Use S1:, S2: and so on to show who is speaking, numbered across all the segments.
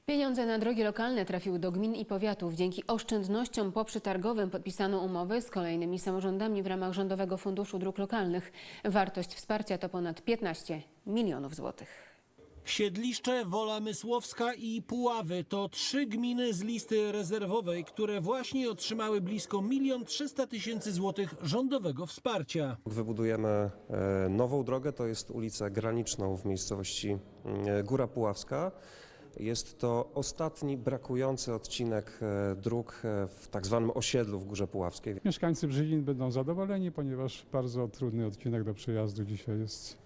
S1: Pieniądze na drogi lokalne trafiły do gmin i powiatów. Dzięki oszczędnościom poprzetargowym podpisano umowy z kolejnymi samorządami w ramach Rządowego Funduszu Dróg Lokalnych. Wartość wsparcia to ponad 15 milionów złotych.
S2: Siedliszcze, Wola Mysłowska i Puławy to 3 gminy z listy rezerwowej, które właśnie otrzymały blisko 1 300 000 złotych rządowego wsparcia.
S3: Wybudujemy nową drogę, to jest ulicę graniczną w miejscowości Góra Puławska. Jest to ostatni brakujący odcinek dróg w tak zwanym osiedlu w Górze Puławskiej.
S4: Mieszkańcy Brzezin będą zadowoleni, ponieważ bardzo trudny odcinek do przejazdu dzisiaj jest.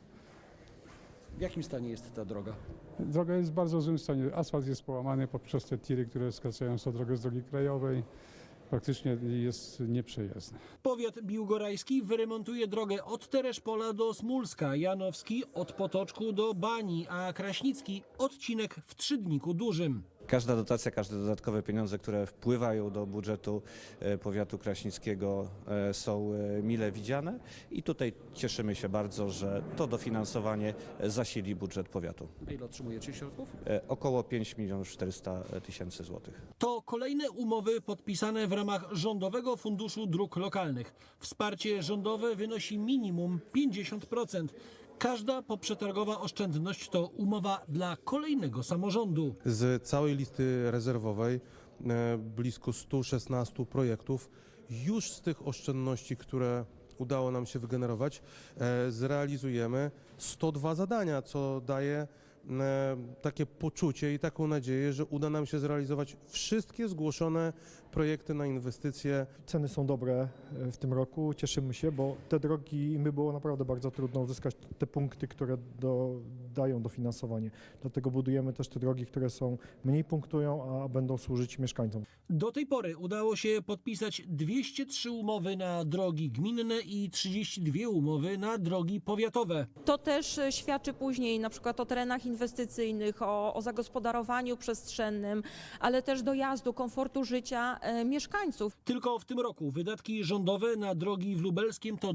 S2: W jakim stanie jest ta droga?
S4: Droga jest w bardzo złym stanie. Asfalt jest połamany poprzez te tiry, które skracają tą drogę z drogi krajowej. Praktycznie jest nieprzejezdny.
S2: Powiat biłgorajski wyremontuje drogę od Tereszpola do Smulska, Janowski od Potoczku do Bani, a Kraśnicki odcinek w Trzydniku Dużym.
S5: Każda dotacja, każde dodatkowe pieniądze, które wpływają do budżetu powiatu kraśnickiego, są mile widziane i tutaj cieszymy się bardzo, że to dofinansowanie zasili budżet powiatu.
S2: Ile otrzymujecie środków?
S5: Około 5 400 000 złotych.
S2: To kolejne umowy podpisane w ramach Rządowego Funduszu Dróg Lokalnych. Wsparcie rządowe wynosi minimum 50%. Każda poprzetargowa oszczędność to umowa dla kolejnego samorządu.
S6: Z całej listy rezerwowej blisko 116 projektów już z tych oszczędności, które udało nam się wygenerować, zrealizujemy 102 zadania, co daje takie poczucie i taką nadzieję, że uda nam się zrealizować wszystkie zgłoszone projekty na inwestycje.
S7: Ceny są dobre w tym roku, cieszymy się, bo te drogi, im było naprawdę bardzo trudno uzyskać te punkty, które dają dofinansowanie. Dlatego budujemy też te drogi, które są mniej punktują, a będą służyć mieszkańcom.
S2: Do tej pory udało się podpisać 203 umowy na drogi gminne i 32 umowy na drogi powiatowe.
S8: To też świadczy później na przykład o terenach inwestycyjnych, o zagospodarowaniu przestrzennym, ale też dojazdu, komfortu życia mieszkańców.
S2: Tylko w tym roku wydatki rządowe na drogi w Lubelskiem to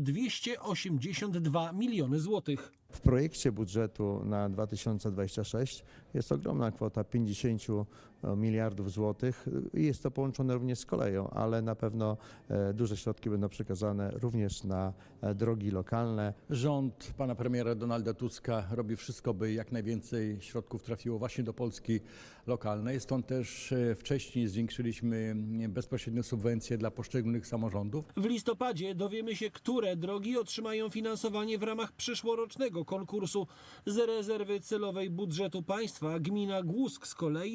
S2: 282 miliony złotych.
S9: W projekcie budżetu na 2026 jest ogromna kwota 50 miliardów złotych i jest to połączone również z koleją, ale na pewno duże środki będą przekazane również na drogi lokalne.
S10: Rząd pana premiera Donalda Tuska robi wszystko, by jak najwięcej środków trafiło właśnie do Polski lokalnej. Stąd też wcześniej zwiększyliśmy bezpośrednie subwencje dla poszczególnych samorządów.
S2: W listopadzie dowiemy się, które drogi otrzymają finansowanie w ramach przyszłorocznego konkursu. Z rezerwy celowej budżetu państwa gmina Głusk z kolei